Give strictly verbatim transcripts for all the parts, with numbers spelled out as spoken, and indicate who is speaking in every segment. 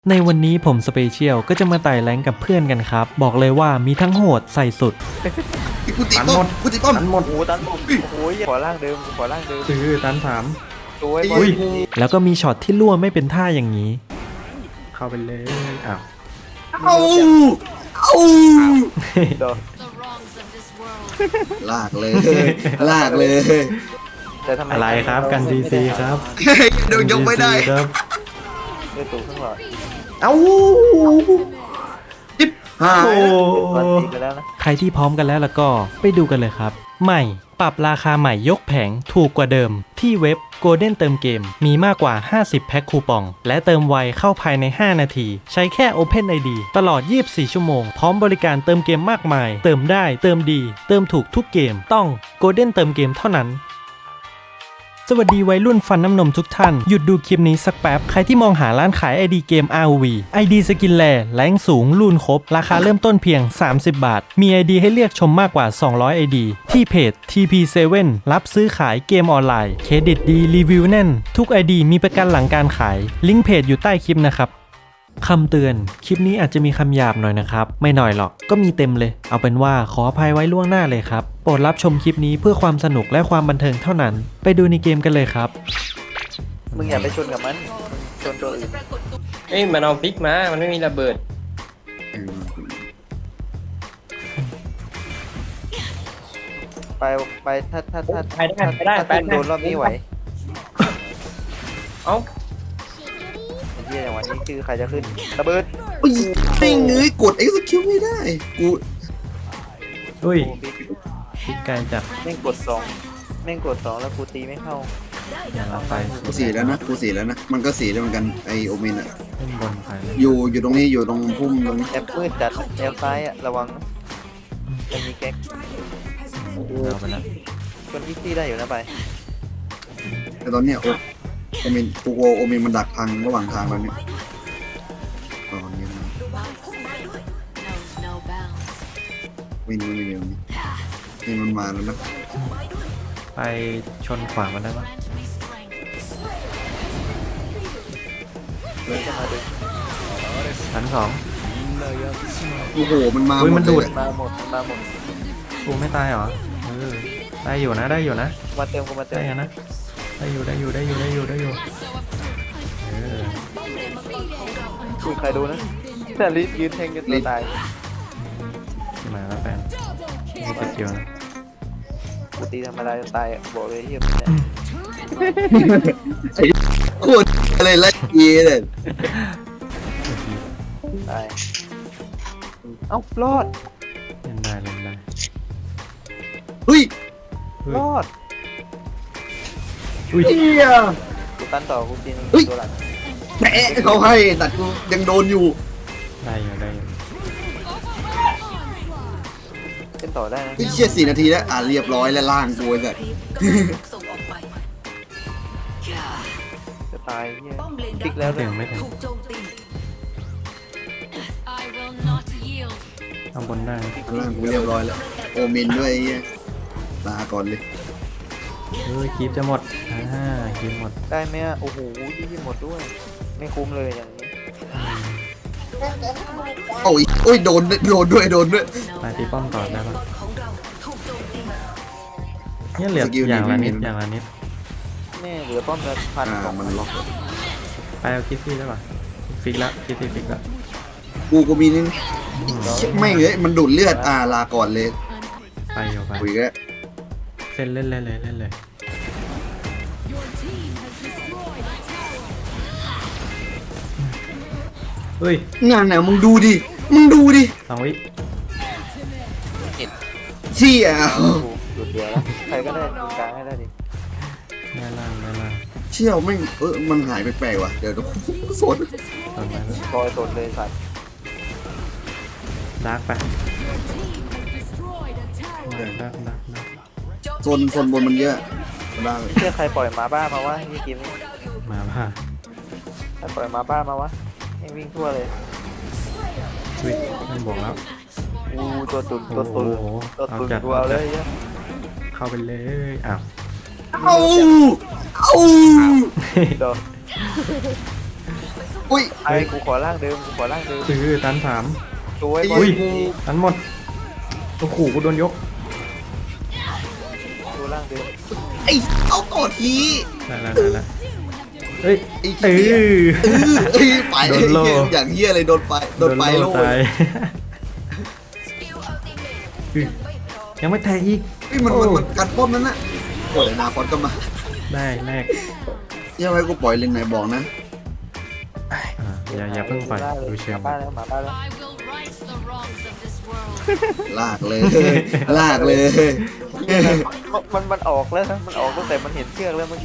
Speaker 1: ในวันนี้ผมสเปเชียลก็จะมาไต่แรงกับเพื่อนกันครับบอกเลยว่ามีทั้งโหดใส่สุด
Speaker 2: กูตีป้อมกูตีป้อม
Speaker 3: ตันหมดโอ้ตันหมดโอ้ยขอร่างเดิมขอร่างเดิม
Speaker 1: คือตันสาม
Speaker 3: ตัวไอ้บอ
Speaker 1: อุ้
Speaker 3: ล
Speaker 1: ยแล้วก็มีช็อตที่ล่วไม่เป็นท่าอย่างนี้เข้าไปเลยอ้าว
Speaker 2: เอาเอา
Speaker 3: เดี๋ยว
Speaker 2: ลากเลยลากเลย
Speaker 3: แต่ทำไม
Speaker 1: อะไรครับกันซีซีครับ
Speaker 2: เดี๋ยวยกไม่ได้
Speaker 1: ครับ
Speaker 3: เลือดตัวข้างหลัง
Speaker 2: เอ้าจิ๊บหา
Speaker 1: โอ้
Speaker 2: ย
Speaker 3: ตอนตีกันแล้วนะ
Speaker 1: ใครที่พร้อมกันแล้วแล้วก็ไปดูกันเลยครับใหม่ปรับราคาใหม่ยกแผงถูกกว่าเดิมที่เว็บ Golden เติมเกมมีมากกว่าห้าสิบแพ็คคูปองและเติมไวเข้าภายในห้านาทีใช้แค่ Open ไอ ดี ตลอดยี่สิบสี่ชั่วโมงพร้อมบริการเติมเกมมากมายเติมได้เติมดีเติมถูกทุกเกมต้อง Golden เติมเกมเท่านั้นสวัสดีวัยรุ่นฟันน้ำนมทุกท่านหยุดดูคลิปนี้สักแป๊บใครที่มองหาร้านขาย ไอ ดี เกม อาร์ โอ วี ไอ ดี สกินแลแรงสูงรูนครบราคาเริ่มต้นเพียงสามสิบบาทมี ไอ ดี ให้เลือกชมมากกว่าสองร้อย ไอ ดี ที่เพจ ที พี เซเว่น รับซื้อขายเกมออนไลน์เครดิตดีรีวิวแน่นทุก ไอ ดี มีประกันหลังการขายลิงก์เพจอยู่ใต้คลิปนะครับคำเตือนคลิปนี้อาจจะมีคำหยาบหน่อยนะครับไม่หน่อยหรอกก็มีเต็มเลยเอาเป็นว่าขออภัยไว้ล่วงหน้าเลยครับโปรดรับชมคลิปนี้เพื่อความสนุกและความบันเทิงเท่านั้นไปดูในเกมกันเลยครับ
Speaker 3: มึงอย่าไปชนกับมันชนตัวอื่น
Speaker 4: เอ้ยมันเอาพลิกมา มันไม่มีระเบิด
Speaker 3: ไปไปถ้าถ้าถ้า
Speaker 4: ไปได้ไปได้
Speaker 3: ถ้า
Speaker 4: ไปได้
Speaker 3: โดนรอบนี้ไหว
Speaker 4: เอ้า
Speaker 3: ไอ้เหี้ยอย่างวันนี้คือใครจะขึ้นระเบิด
Speaker 2: อุ้ยไม่เงยกด execute ไม่ได้กู
Speaker 1: อุ้ย
Speaker 3: โอ้บิ๊ก
Speaker 1: พิกไกลจัด
Speaker 3: แม่งกดสองแม่งกดสองแล้วกูตีไม่เข้า
Speaker 1: อย่าละไป
Speaker 2: กูสีแล้วนะกูสีแล้วนะมันก็สีแล้วเหมือนกันไอโอเมนอะ
Speaker 1: เล่นบนไปเลย
Speaker 2: อยู่อยู่ตรงนี้อยู่ตรงพุ่มตรงนี้
Speaker 3: แอปมืดจัดแอปซ้ายอะระวังนะจะมีแก๊ก
Speaker 1: เอาไปแล้ว
Speaker 3: คนที่ซี่ได้อยู่นะไป
Speaker 2: แต่ตอนเนี้ยโอโอเมนกูกลัวโอเมนมันดักทางระหว่างทางแล้วเนี่ยตอนนี้นะวินมันไม่เดียวนี่นี่มันมาแล้วนะ
Speaker 1: ไปชนขวามันได้ปะ
Speaker 3: เดินเข้ามาดู
Speaker 1: ชั้นสอง
Speaker 2: โอ้โหมันมา
Speaker 1: อุ๊ยมันดูด
Speaker 2: หเลย
Speaker 3: มาหมดมาหมด
Speaker 1: กูไม่ตายเหรอเออได้อยู่นะได้อยู่นะ
Speaker 3: มาเติมกูมาเติ
Speaker 1: ได้
Speaker 3: ม
Speaker 1: อยู่นะได้อยู่ได้อยู่ได้อยู่ได้อยู่ได้อยู่เออ
Speaker 3: คุยใครดูนะแต่ลิสยืนแทงจนตัวตาย
Speaker 1: มาแล้วแฟนมีสกิลนะ
Speaker 3: กูตีธรรมดาจะตายอะบอกเลยที่
Speaker 2: โคตรอะไรไล่เยเลย
Speaker 3: ตายเอ้ารอด
Speaker 1: เล่นได้เล่นได้
Speaker 2: เฮ้ย
Speaker 1: เฮ้ย
Speaker 3: รอด
Speaker 1: อุ้ย
Speaker 2: เฮีย
Speaker 3: กูตันต่อกูตีนึงตัวหลัง
Speaker 2: แหมเขาให้แต่กูยังโดนอยู่
Speaker 1: ได้อยู่ได้อยู่
Speaker 3: เล่นต่อได้นะ
Speaker 2: ไอ้เชี่ยสี่นาทีแล้วอ่ะเรียบร้อยแล้วล่างกูไอ้สัส
Speaker 3: จะตายเฮียพลิกแล้ว
Speaker 1: ไม่
Speaker 3: เล
Speaker 1: ถึ
Speaker 3: ย
Speaker 1: งไม่ถึงทำบนได้
Speaker 2: ล่างกูเรียบร้อยแล้วโอเมนด้วยไอ้เหี้ยลาก่อนเลย
Speaker 1: เฮ้ยคลิปจะหมดอ่าคลิปหมด
Speaker 3: ได้ไหมอะโอ้โหที่หมดด้วย ไม่คุ้มเลยอย่างนี้
Speaker 2: โอ้ยโอ้ยโดนโดนด้วยโดนด้วย
Speaker 1: ไปตีป้อมต่อได้ปะเนี่ยเหลือ
Speaker 2: สกิล
Speaker 1: อย่างละ
Speaker 2: นี้
Speaker 1: นิด
Speaker 2: ไม่มี
Speaker 1: อย่างละนิด
Speaker 3: แม่เหลือป้อมละพัน
Speaker 2: อ่า
Speaker 3: สอง
Speaker 2: มันล็อก
Speaker 1: ไปเอาคิดซี่ได้ปะฟิกละคิดซี่ฟิกละ
Speaker 2: กูก็มีนี่เชี่ยไม่เลยมันดูดเลือดอ่าลาก่อนเลย
Speaker 1: ไปอยู่ไป
Speaker 2: คุยกัน
Speaker 1: เส้นเล่นเล่นเลยเล่นเลยเฮ้ย
Speaker 2: งานไหนมึงดูดิมึงดูดิ
Speaker 1: สองวิ
Speaker 2: เชี่ย
Speaker 3: หยุดเดียวแล้วใครก็ได้ตรงกลางให้ได้ดิ
Speaker 1: แน่ล่างแน่ล่าง
Speaker 2: เชี่ยวไม่งเออมันหายไปแปลกๆว่ะเดี๋ยวเดี๋ยวสน
Speaker 1: ตอนนั้น
Speaker 3: คอยสดเลยสัตว์
Speaker 1: ดาร์กไปดาร์กดาร์กดาร์ก
Speaker 2: โซนโซนบนมันเยอะได้
Speaker 3: เชื่อใครปล่อยหมาบ้ามาวะนี่กิน
Speaker 1: มาผ่า
Speaker 3: ใครปล่อยหมาบ้ามาวะให้วิ่งทั่วเลย
Speaker 1: วิมันบวกแล้ว
Speaker 3: อู้ตัวตุนตัว
Speaker 1: โอ้
Speaker 3: ตุน
Speaker 1: โห
Speaker 3: ตัว
Speaker 1: เอา
Speaker 3: ตุน
Speaker 1: จัด
Speaker 3: กูเอาเลยเหี้ย
Speaker 1: เข้าไปเลยอ้าว
Speaker 2: เอาเอา
Speaker 3: เดี๋ยว
Speaker 2: อุ้ย
Speaker 3: ไอ้กูขอร่างเดิมกูขอร่างเดิม
Speaker 1: คือตันสาม
Speaker 3: สวย
Speaker 2: ไอ้
Speaker 3: บอ
Speaker 2: เหี้
Speaker 3: ล
Speaker 2: ยกู
Speaker 1: ตันหมดโอ้โหกูโดนยก
Speaker 3: ดูร่างเดิม
Speaker 2: ไอ้เอาต่อที
Speaker 1: ได้แล้วได้แล้วเฮ้ย
Speaker 2: ไอ้
Speaker 1: เอ
Speaker 2: เหี้ย
Speaker 1: อ
Speaker 2: เอ้ยไป
Speaker 1: โดนโล่
Speaker 2: อย่างเหี้ยเลยโดนไปโดนไปโล่
Speaker 1: ตายอื้อยังไม่แทงอีก
Speaker 2: เฮ้ยมันมันมันกันป้อมนั้นน่ะโอ้ยนาคอนก็มา
Speaker 1: ได้แรก
Speaker 2: เหี้ยังไว้กูปล่อยเลนไหนบอกนะ
Speaker 1: อ่าอย่าอย่าเพิ่งปล่อยดูเชิ
Speaker 3: ห
Speaker 1: ง
Speaker 3: มาบ้านแล้วหมาบ้านแล้ว
Speaker 5: I will right the wrongs of this world.
Speaker 2: ลากเลย ลากเลย
Speaker 3: มันมันมันออกแล้วนะมันออกตั้งแต่มันเห็นเชือกแล้วเมื่อกี้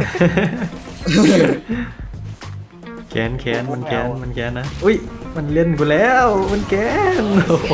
Speaker 1: แกนแกนมันแกนมันแกนนะอุ้ยมันเล่นกูแล้วมันแกนโอ้โห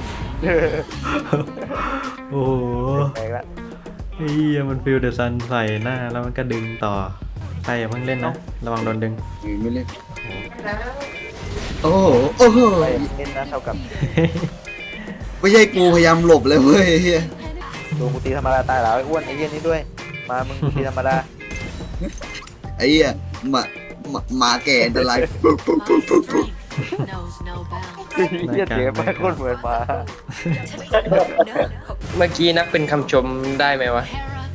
Speaker 1: โอ้โห
Speaker 3: แปลกละ
Speaker 1: เฮียมันฟิลเดอะซันใส่หน้าแล้วมันก็ดึงต่อใครอย่าเพิ่งเล่นนะระวังโดนดึง
Speaker 2: ไม่เล่นโอ้โหโอ้โห
Speaker 3: ไปเล่นนะเท่ากับ
Speaker 2: ไม่ใช่กูพยายามหลบเลยเว้ยเฮีย
Speaker 3: ดูกูตีธรรมดาตายแล้วไอ้อ้วนไอ้เหี้ยนี่ด้วย มามึงกูตีธรรมดา
Speaker 2: ไอ้เหี้ยหมาหมาหมาแก่อันตราย
Speaker 5: Knows no bounds.
Speaker 3: ไอ้เหี้ยเสียไปโคตรเหมือนหมา
Speaker 4: เมื่อกี้นักเป็นคำชมได้ไหมวะ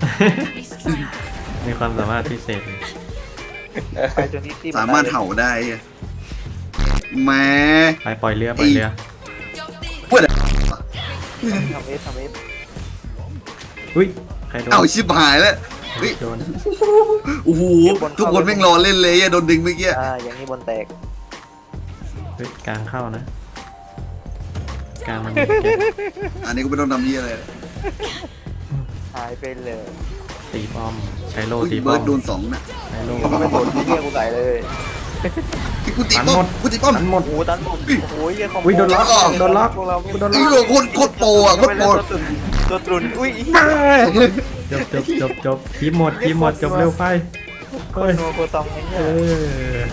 Speaker 1: มีความสามารถพิเศษ
Speaker 3: ไปจนนี้ที่
Speaker 2: สามารถเห่าได้เหี้ยแหม่
Speaker 1: ไปปล่อยเรือปล่อยเรือ
Speaker 2: พูดอะ
Speaker 3: ทำเอฟทำเอฟ
Speaker 1: อุ้ยใครโดน
Speaker 2: เอาชิบหายแล้วเฮ้ย
Speaker 1: โดน
Speaker 2: โอ้โหทุกคนแม่งรอเล่นเลยอะโดนดึงเมื่อกี้
Speaker 3: อ่าอย่างนี้บนแตก
Speaker 1: เฮ้ยกลางเข้านะกลางมัน
Speaker 2: อันนี้กูไม่ต้องทำยี่อะไรเลย
Speaker 3: หายไปเลย
Speaker 1: ตีป้อมใช้โล
Speaker 2: อุ้ย
Speaker 1: ตีป้
Speaker 2: เบิ
Speaker 1: อ
Speaker 2: ร์
Speaker 1: ม
Speaker 2: ดโดนสองน่ะ
Speaker 1: ใช้โล
Speaker 3: กูไม่โดนที่เหี้ยกูใส่เลย
Speaker 2: ไอ้กูตีป้อมกูตีป้อม
Speaker 1: ตันหมด
Speaker 3: โอ้โหตันผมโอ้ยเหี้ยคอมโบ
Speaker 1: อุ้ยโดนล็อกโดนล็อก
Speaker 3: พวกเรา
Speaker 1: กูโดน
Speaker 2: ไอ้
Speaker 1: ล็อก
Speaker 2: โหโคตรโคตรโปรอะโคตรโปร
Speaker 3: ตัวตรุนอุ้ย
Speaker 1: จบจบจบจบทีมหมดทีมหมดจบเร็วไป
Speaker 3: โค
Speaker 1: เฮ้ย
Speaker 3: โนโคตองไอ้เหี้
Speaker 1: เอย อ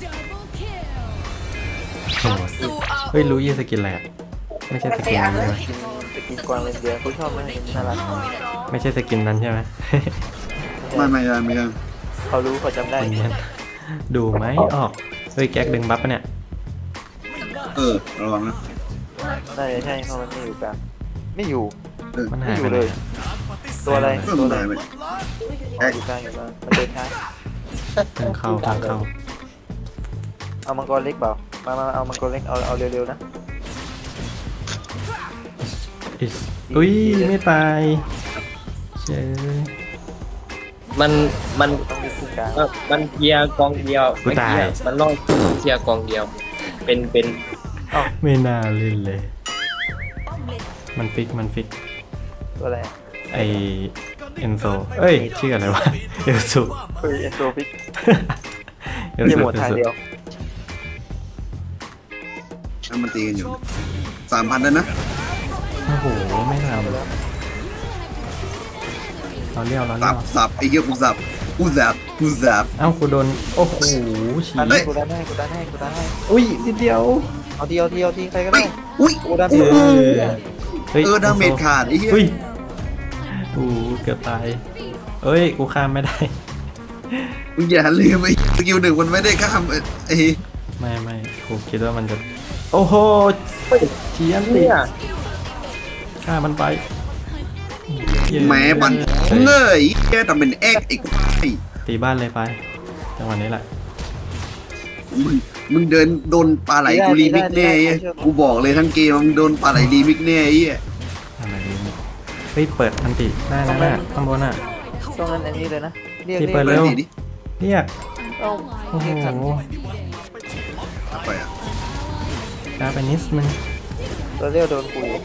Speaker 1: โหดเฮ้ยรู้ยี่สกินอะไรอะไม่ใช่สกินนั้นใช่ไหม
Speaker 3: กินไปกินกวางเลนเดียกูชอบมันน่ารัก
Speaker 1: ไม่ใช่สกินนั้นใช่ไหม
Speaker 2: ไม่ไม่ไม่ไม่ไม่
Speaker 3: เขารู้เขาจำได้
Speaker 1: คนนี้ดูไหมออกเฮ้ยแก๊กดึงบัฟปะเนี่ย
Speaker 2: เออระวังนะ
Speaker 3: น่าจะใช่เพราะมันไม่อยู่กลางไม่อยู่
Speaker 2: เออ
Speaker 1: มัน
Speaker 3: ไม่
Speaker 1: หาย
Speaker 3: อ
Speaker 1: ไป
Speaker 3: ยู่
Speaker 1: ไหน
Speaker 3: เลย
Speaker 1: อะ
Speaker 3: ตัวอะไร
Speaker 2: ก็
Speaker 3: ตัว
Speaker 2: มึง
Speaker 3: อะไร
Speaker 2: หายไป
Speaker 3: อ๋ออยู่กลางอยู่กลางมันเดินช้า
Speaker 1: เพิ่งเข้าเพิ่งเข้า
Speaker 3: เอามังกรเล็กเปล่ามามาเอามังกรเล็กเอาเอาเร็วๆนะ
Speaker 1: อิสอุ้ยไม่ตายเชย
Speaker 4: มันมัน
Speaker 3: ต้องมีคู่กลาง
Speaker 4: เอ่อมันเคลียร์กองเดียวไม่เคลียร์มันต้องเคลียร์กองเดียว เป็นเป็น
Speaker 1: ไม่น่าเล่นเลย มันฟิกมันฟิก
Speaker 3: ตัวอะไร
Speaker 1: ไอเอนโซเอ้ยชื่ออะไรวะเอลซู
Speaker 3: เฮ้ยเอ็นโซฟิก
Speaker 1: เอล
Speaker 3: เยี่ย
Speaker 1: ซู
Speaker 3: หมดทางเดียว
Speaker 2: แล้วมันตีกันอยู่สามพันแล้วนะ
Speaker 1: โอ้โหไม่ทำเราเลี้ยวเรา
Speaker 2: สั
Speaker 1: เลี้ย
Speaker 2: บ
Speaker 1: ว
Speaker 2: สับไอ้เหี้ยกูสับกูสับกูสับ
Speaker 1: เอ้ากูโดนโอ้โหฉี
Speaker 3: อันนี้กูดันให้กูดันให้กูดันให้
Speaker 1: อุ้ยนิดเดียว
Speaker 3: เอาทีเอาทีเอาทีใครก็
Speaker 2: เฮ้
Speaker 3: ได้
Speaker 2: ยอุ้ย
Speaker 3: กูดัน
Speaker 2: โอ้
Speaker 3: ให้
Speaker 2: โห
Speaker 1: เฮ้ย
Speaker 2: เออดาเมจขาดไอ้เหี้ย
Speaker 1: อุ้ยโอ้โหเกือบตายเอ้ยกูข้ามไม่ได้
Speaker 2: มึงอย่าลืมไอ้สกิลหนึ่งมันไม่ได้ข้ามไอ้
Speaker 1: ไม่ไม่กูคิดว่ามันจะโอ้โหเชียนติ
Speaker 4: เนี่ย
Speaker 1: ฆ่ามันไป
Speaker 2: แหมบันเงยแกทำเป็นแอกไอ้ควาย
Speaker 1: ตีบ้านเลยไปจังหวะนี้แหละ
Speaker 2: มึงมึงเดินโดนปลาไหลกูรีมิกแน่ไอ้กูบอกเลยทั้งเกมมึงโดนปลาไหลรีมิกแน่ไอ้เหี้ย
Speaker 1: อะไรนี่เฮ้ยเปิดอันติได้นะน่ะข้างบนอ่ะ
Speaker 3: ตรงนั้นอันนี้เลยนะเรียก
Speaker 1: ที่
Speaker 3: เรีย
Speaker 1: เปิด
Speaker 3: ก
Speaker 1: เร็ว
Speaker 2: ดิ
Speaker 1: เรียก
Speaker 3: เอา
Speaker 1: โอ้โห
Speaker 3: เรียกทัน
Speaker 2: ไปอ่ะ
Speaker 1: ช้าไปนิดนึง
Speaker 3: ตัวเรียวโดนกูอยู่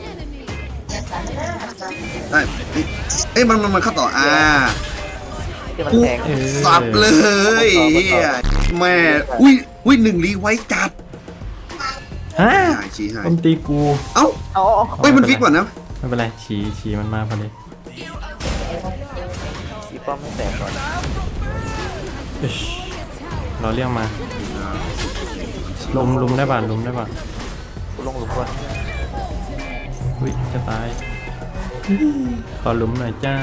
Speaker 2: ได้เอ้ยเอ้ยมันมันมันเข้าต่ออ่า
Speaker 3: ที่มันแทง
Speaker 1: เออ
Speaker 2: สับเลยเฮียแม่อุ้ยอุ้ยหนึ่งรีไว้จัด
Speaker 1: ฮะ
Speaker 2: หายชี้หาย
Speaker 1: ผมตีกู
Speaker 2: เอ้า
Speaker 3: เอา
Speaker 2: เฮ้ยมันฟิกก่อนนะ
Speaker 1: ไม่เป็นไรฉีฉีมันมาพอดี
Speaker 3: อีป้อมไม่แตกก่อน
Speaker 1: อิ๊ชเราเรียกมาลุมลุมได้ป่ะลุมได้ป่ะ
Speaker 3: กูลงหลุมก่อน
Speaker 1: อุ้ยจะตายขอลุมหน่อยจ้า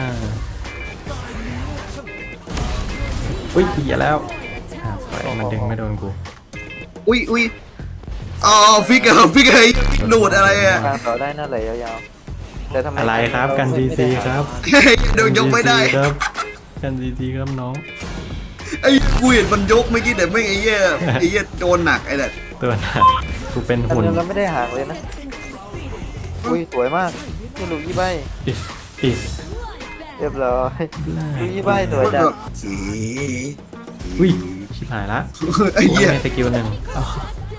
Speaker 1: อุ้ยเหี้ยแล้วอ่ะสวยมันดึงไม่โดนกู
Speaker 2: อุ้ยอุ้ยอ๋อฟิกเกอร์ฟิกเกอร์ดูดอะไรอ่ะ
Speaker 3: กลางต่อได้น่าไหลยาวๆแต่ทำไม
Speaker 1: อะไรครับกันซีซีครับ
Speaker 2: เดี๋ยวยกไม่ได้
Speaker 1: ครับกันซีซีครับน้อง
Speaker 2: ไอ้กูเห็นมันยกเมื่อกี้แต่ไม่งไอ้เหี้ยไอ้เหี้ยโดนหนักไอ้เนี่ย
Speaker 1: ตัวหนักกูเป็น
Speaker 3: แต่
Speaker 1: หุ่น
Speaker 3: เราไม่ได้ห่างเลยนะอุ้ยสวยมากนี่ลูกยี่ใบ
Speaker 1: อิสอิส
Speaker 3: เรียบร้อยลูกยี่ใบสวยจัง
Speaker 1: อุ้ยชิบหายละ
Speaker 2: ไอ้เหี้ย
Speaker 1: มีสกิลหนึ่งเอ้า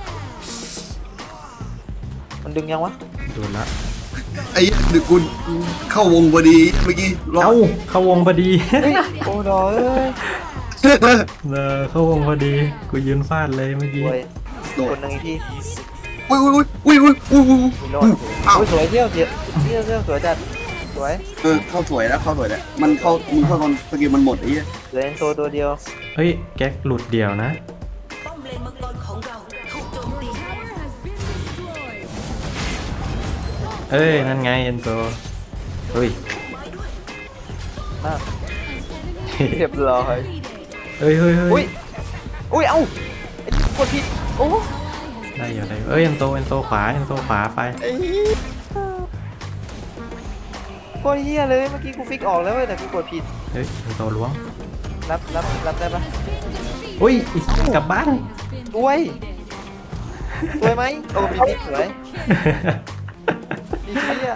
Speaker 3: มันดึงยังวะ
Speaker 1: โดนละ
Speaker 2: ไอ้เหี้ยเดี๋ยวกูเข้าวงพอดีเมื่อกี้รอ
Speaker 1: เอ้าเข้าวงพอดี
Speaker 3: โอ้ดอยเอ้ย
Speaker 1: เออเข้าวงพอดีกูยืนฟาดเลยเมื่อ
Speaker 3: ส
Speaker 1: กี้
Speaker 3: วย
Speaker 2: โด
Speaker 3: ค
Speaker 2: ด
Speaker 3: นหนึ่งอีกที
Speaker 2: อุ้ยอุ้ยอุ้ยอุ้ยอุ้ยอุ้ย
Speaker 3: มีรอดอุ้ยสวยเที่ยวเที่ยวเที่ยวเที่ยวสวยจัดสวย
Speaker 2: เออเข้าสวยแล้วเข้าสวยแล้วมันเข้ามึงเข้าตอนสกิลมันหมดไอ้เหี้ย
Speaker 3: เหลือเอ็นโซตัวเดียว
Speaker 1: เฮ้ยแก๊กหลุดเดี่ยวนะ
Speaker 5: ป้อมเลนมังกรของเราถูกโจมตี
Speaker 1: เอ้ยนั่นไงเอ็นโซเฮ้ย
Speaker 3: มากเรียบร้อย
Speaker 1: เฮ้ยเฮ้ยเฮ้
Speaker 3: อุ้ย
Speaker 1: ย
Speaker 3: อุ้ยเอ้าไอ้กดผิดโอ้
Speaker 1: ได้อยู่ได้อยู่เอ้ยเอ็นโซเอ็นโซขวาเอ็นโซขวาไป
Speaker 3: ไอ้เหี้ยโคตรเฮียเลยเมื่อกี้กูฟิกออกแล้วเว้ยแต่กูกดผิด
Speaker 1: เฮ้ยเอ็นโซล้วง
Speaker 3: รับรับรับได้ปะ
Speaker 1: อุ้ยอีกกลับบ้าน
Speaker 3: สวยสวยไหมโอ้มีพิษสวยมีเฮีย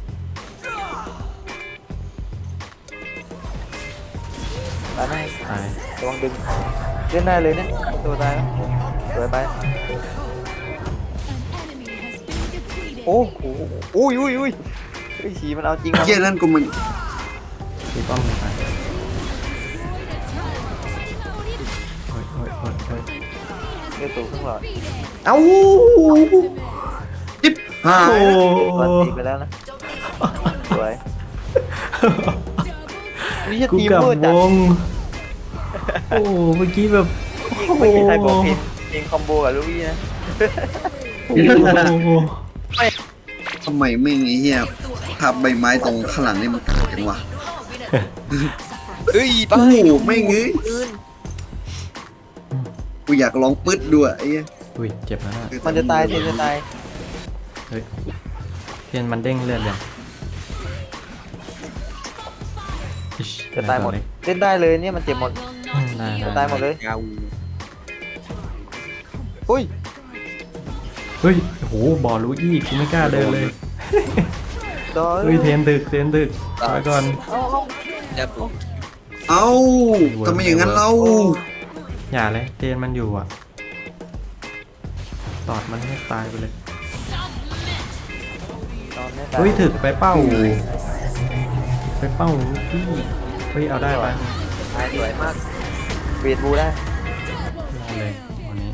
Speaker 3: ตายไหม
Speaker 1: ตาย
Speaker 3: ระวังดึงเล่นได้เลยเนี่ยตัวตายแล้วสวยไปโอ้โหอุ้ยอุ้ยอุ้ยไอ้ฉีมันเอาจริง
Speaker 2: ไอ้
Speaker 3: ว่ะ
Speaker 2: เหี้ยนั่นกูมัน
Speaker 1: ตีป้อมลงไปโอ้ยโอ้ยโอ้ยโอ้ย
Speaker 3: เลือดสูงขึ้นหลอด
Speaker 1: เอ้า
Speaker 2: จิ๊บหา
Speaker 1: โอ้
Speaker 2: ย
Speaker 3: ตอนตีไปแล้วนะสวยนี่จะ
Speaker 1: กู
Speaker 3: ทีม
Speaker 1: กลับ
Speaker 3: มืด
Speaker 1: ว
Speaker 3: จัด
Speaker 1: งโอ้เมื่อกี้แบบ
Speaker 3: ยิงไม่มีใครบอกเพลงเพลงคอมโบกับลูกพี่นะ
Speaker 1: โอ้โห
Speaker 2: ทำไมไม่งไอ้เหี้ยทับใบไม้ตรงข้างหลังนี่มันเกิดจังวะ
Speaker 3: เฮ้ย
Speaker 2: โอ้โหไม่งเอ้ยกูอยากลองปึ๊ดด้วยไอ้เหี้ย
Speaker 1: อุ้ยเจ็บแล้วนะ
Speaker 3: มันจะตายเทนจะตาย
Speaker 1: เฮ้ยเทียนมันเด้งเลือดยังอิ๊
Speaker 3: จะตายหมด
Speaker 1: เล็ก
Speaker 3: เล่นได้เลยเนี่ยมันเจ็บหมด
Speaker 1: อืมได้
Speaker 3: จะ
Speaker 1: ได้
Speaker 3: ตายหมดเลยอุ้ย
Speaker 1: เฮ้ยโอ้โหบอลลูอี้กูไม่กล้าเดินเลย
Speaker 3: ดอย
Speaker 1: เฮ้ยเทนดึกเทนดึกไปก่อน
Speaker 3: เอาเอา
Speaker 2: เอ้าทำไมอย่างนั้นเรา
Speaker 1: อย่าเลยเทนมันอยู่อ่ะตอดมันให้ตายไปเลย
Speaker 3: นอนไม่ตาย
Speaker 1: เฮ้ยถึกไปเป้าไปเป้าพี่เฮ้ยเอาได้ปะ
Speaker 3: ตายสวยมากเบียดบูได้
Speaker 1: ได้เลยวันนี้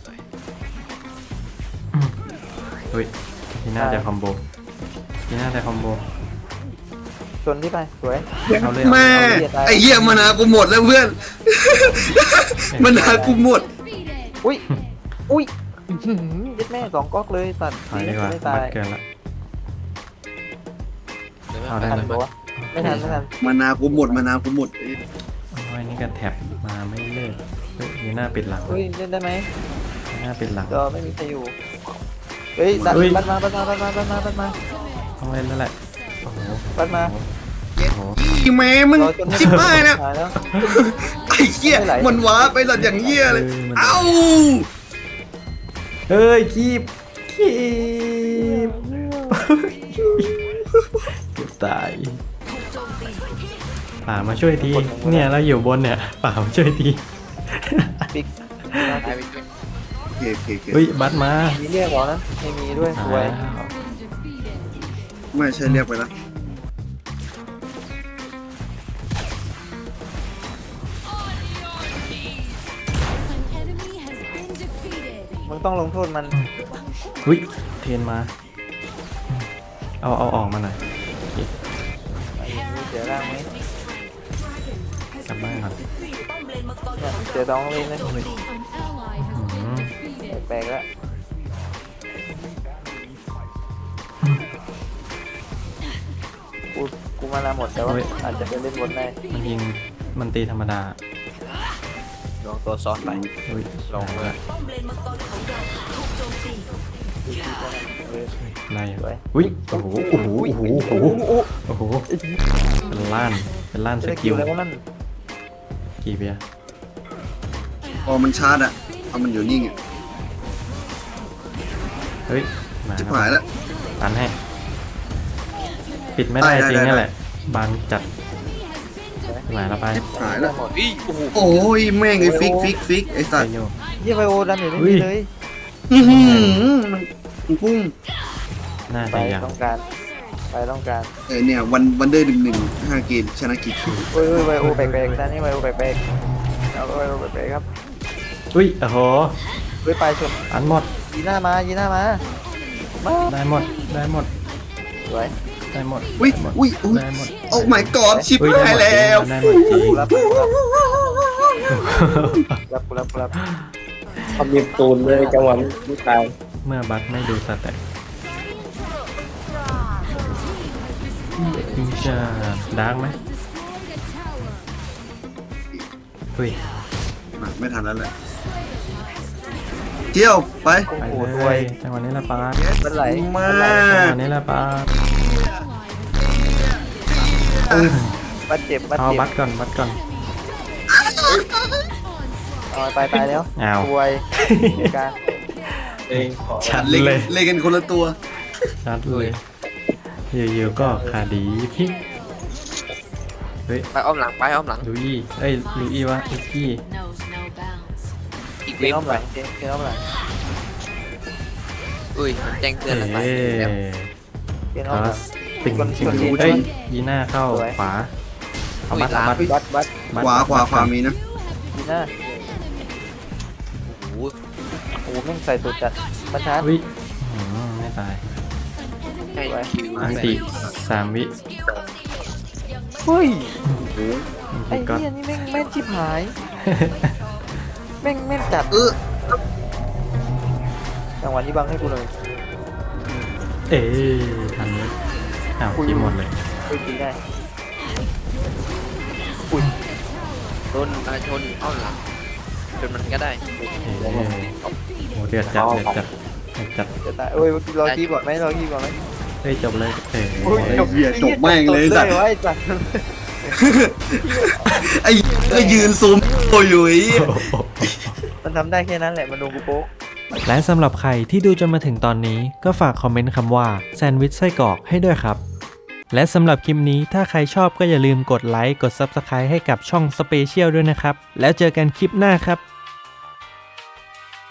Speaker 1: เฮ้ยที่น่าจะคอมโบที่น่าจะคอมโบ
Speaker 3: ชนที่ไปสวย
Speaker 1: เอาเลย
Speaker 2: แม่ไอ้เหี้ยมานากูหมดแล้วเพื่อนมานากูหมด
Speaker 3: อุ้ยอุ้ยอื้อหือยัดแม่สองก๊อกเลยตัด
Speaker 1: ถอยดีกว่า
Speaker 3: ไม่
Speaker 1: บั
Speaker 3: ตาย
Speaker 1: ดเกินละเอา
Speaker 3: ไม่
Speaker 1: ได้
Speaker 3: ทัน
Speaker 1: เลย
Speaker 3: ปะวะไม่ทันไม่ทัน
Speaker 2: มานากูหมดมานากูหมด
Speaker 1: โอ้ยนี่ก็แท็บมาไม่เลิกเฮ้ยมีหน้าปิดหลัง
Speaker 3: เฮ้ยเล่นได้ไหม
Speaker 1: มีหน้าปิดหลัง
Speaker 3: จอไม่มีใครอยู่เฮ้ยดัน
Speaker 1: เฮ้ย
Speaker 3: บันมาบันมาบันมาบันมาบันมา
Speaker 1: ต้องเล่นแล้วแหละโอ้โห
Speaker 3: บันมา
Speaker 2: เย็ดอีแม่มึง
Speaker 3: รอจน
Speaker 2: สิบห้านะ
Speaker 3: ตายแล้ว
Speaker 2: ไอ้เหี้ยมันว้าไปหลัดอย่างเหี้ยเลยเอ้า
Speaker 1: เฮ้ยคีบคีบเกือบตายป่ามาช่วยทีเนี่ยเราอยู่บนเนี่ยป่ามาช่วยที
Speaker 3: ปิก
Speaker 2: โอเคโอเคโอเค
Speaker 1: เฮ้ยบัสมา
Speaker 3: มีเรียกเหรอนะไม่มีด้วยสวย
Speaker 1: อ้าว
Speaker 2: ไม่ใช่เรียกไปแล้ว
Speaker 3: มึงต้องลงโทษมัน
Speaker 1: อุ้ยเทนมา เอาเอาออกมาหน่อย
Speaker 3: เสียร่างไหม
Speaker 1: กลับบ้านก่อน
Speaker 3: เนี่ยเสียดองเลยนะ
Speaker 1: อืม
Speaker 3: แปลกๆแล้วกูกูมานาหมดแต่ว่าอาจจะไปเล่นบนได้
Speaker 1: มันยิงมันตีธรรมดา
Speaker 4: ลองตัวซ้อนไป
Speaker 1: อุ้ย
Speaker 4: ลองเลย
Speaker 5: ป้อมเลนมังกรของ
Speaker 1: ไล่อุ้ยโอ้โหโอ้โหโอ้โหโอ้โหโอ้โหเป็นล้านเป็นล้านส
Speaker 3: จะ
Speaker 1: กิ
Speaker 3: กิ
Speaker 1: ล
Speaker 3: ลแล้วนั่น
Speaker 1: กี่เบียร์
Speaker 2: พอมันชาร์จอะเอามันอยู่นิ่งอะ
Speaker 1: เฮ้ยมา
Speaker 2: จิบ
Speaker 1: ครับ
Speaker 2: หายแล้ว
Speaker 1: ตันให้ ปิดไม่ได้
Speaker 2: ได้
Speaker 1: จริง
Speaker 2: ได้
Speaker 1: นี่
Speaker 2: ได้
Speaker 1: แหละบางจัดหมายแล้วไป
Speaker 2: จิบหายแล้ว
Speaker 3: หมดอีโอ้โห
Speaker 2: โอ้ยแม่งไอ้ฟิกฟิกฟิกไอ้สั
Speaker 1: ไป
Speaker 2: ตว์
Speaker 1: โย
Speaker 3: ยี่ไวโอดันอยู่
Speaker 1: อุ้
Speaker 3: นี่
Speaker 1: ย
Speaker 3: เลย
Speaker 2: อื้อหือมันมันพุ่ง
Speaker 1: น่า
Speaker 3: ไป
Speaker 1: จะยัง
Speaker 3: ต้องการไปต้องการ
Speaker 2: เออเนี่ยวันวันเดอร์หนึ่งหนึ่งห้าเกมชนะกี่คิว
Speaker 3: โอ้ยไวโอแบกแบกด้านนี้ไวโอแบกแบกเอาไวโอแบกแบกครับ
Speaker 1: อุ้ยโอ้โห
Speaker 3: เฮ้ยไปชน
Speaker 1: อันหมด
Speaker 3: ยีหน้ามายีหน้ามามา
Speaker 1: ได้หมดได้หมด
Speaker 3: สวย
Speaker 1: ได้หมด
Speaker 2: อุ้ย
Speaker 1: ได้หมด
Speaker 2: อุ้ยอุ้ย
Speaker 1: ได้หมด
Speaker 2: โอ้ my god ชิบ
Speaker 1: อุ้ย
Speaker 2: หาย
Speaker 1: ได้
Speaker 2: แล้ว
Speaker 1: หมดได้หมดจริง
Speaker 3: รับรับรับรับ
Speaker 4: ทำยิบตูนเลยจังหวะไม่ตาย
Speaker 1: เมื่อบัตไม่ดูสแต็กมึงจะดาร์กไหมอุ้ย
Speaker 2: มาไม่ทันแล้วแหละเที่ยวไป
Speaker 3: โอ้
Speaker 1: ไป
Speaker 3: โห
Speaker 1: เล
Speaker 3: รวย
Speaker 1: ยจังหวะนี้ละปา
Speaker 3: มันไหล
Speaker 2: มา
Speaker 3: มันไหล
Speaker 1: จังหวะนี้ละปา
Speaker 3: บาดเจ็บบาด
Speaker 1: เอา
Speaker 3: เจ็บ
Speaker 1: บัตก่อนบัตก่อน
Speaker 3: เอาไปตายแล้ว
Speaker 1: อ้าว
Speaker 3: รวยการ
Speaker 4: เองขอ
Speaker 1: ชัด
Speaker 2: เล่น
Speaker 1: เลย
Speaker 2: เล่นกันคนละตัว
Speaker 1: ชัดเลยอยู่ๆก็ขาดีพลิกเฮ้ย
Speaker 6: ไปอ้อมหลังไปอ้อมหลัง
Speaker 1: ลุยเอ้ยลุยวะลุกี้
Speaker 5: knows no bounds
Speaker 6: อีก
Speaker 3: เก
Speaker 6: เว็
Speaker 3: ม
Speaker 6: บ
Speaker 3: อ้อมหลังเกมเกมอ้อมหลัง
Speaker 6: อุ้ยมันแจ้งเตื
Speaker 1: เอ
Speaker 6: อนอะไรแล้ว
Speaker 3: เกม
Speaker 1: ค
Speaker 3: อ้อม
Speaker 1: ลา
Speaker 3: หลัง
Speaker 1: สติง
Speaker 3: คน
Speaker 1: ชิง
Speaker 3: คนที่
Speaker 1: เอ้ยยีน่าเข้า
Speaker 3: สวย
Speaker 1: ขวาเอาบัตเอาบัต
Speaker 3: บัดบัด
Speaker 1: บัต
Speaker 2: ขวาขวา
Speaker 1: บัต
Speaker 2: ขวามีนะ
Speaker 3: ยีหน้า
Speaker 6: โอ้โห
Speaker 3: โอ้โหแม่งใส่สุดจัดประชาร์จ
Speaker 1: อุ้ยอืมไม่ตาย
Speaker 6: ให้คิว
Speaker 1: อันติสามวิ
Speaker 3: เฮ้ย
Speaker 1: อัน
Speaker 3: ไอ้
Speaker 1: ติก็
Speaker 3: เหี้ยนี่แม่งแม่นชิบหาย แม่งแม่นจัด
Speaker 2: เออ
Speaker 3: จังหวะนี้บังให้กูเลย
Speaker 1: เอ๊ทันไหมอ้าวทีหมดเลย
Speaker 3: คุยตีได้
Speaker 6: โดนมาชนอ้อมหลังจนมันก็ได้
Speaker 1: เอ๊โอ้เดือดจัดเดือดจัดเดือดจัด
Speaker 3: จะตายเอ้ยรอคีบก่อนไหมรอคีบก่อนไหม
Speaker 1: เฮ้ยจบเลยเอ๊
Speaker 3: โอ้ย
Speaker 2: ไอ้เหี้ยจบแม่งเลยสัตว์
Speaker 3: ไอ้สัตว์
Speaker 2: ไอ้ก็ยืนซูมโอ้ยอยู่ไอ้เหี้ย
Speaker 3: มันทำได้แค่นั้นแหละมันโดนกูโป๊ะ
Speaker 1: และสำหรับใครที่ดูจนมาถึงตอนนี้ก็ฝากคอมเมนต์คำว่าแซนด์วิชไส้กรอกให้ด้วยครับ และสำหรับคลิปนี้ถ้าใครชอบก็อย่าลืมกดไลค์กด ซับสไครบ์ ให้กับช่องสเปเชียลด้วยนะครับ แล้วเจอกันคลิปหน้าครับ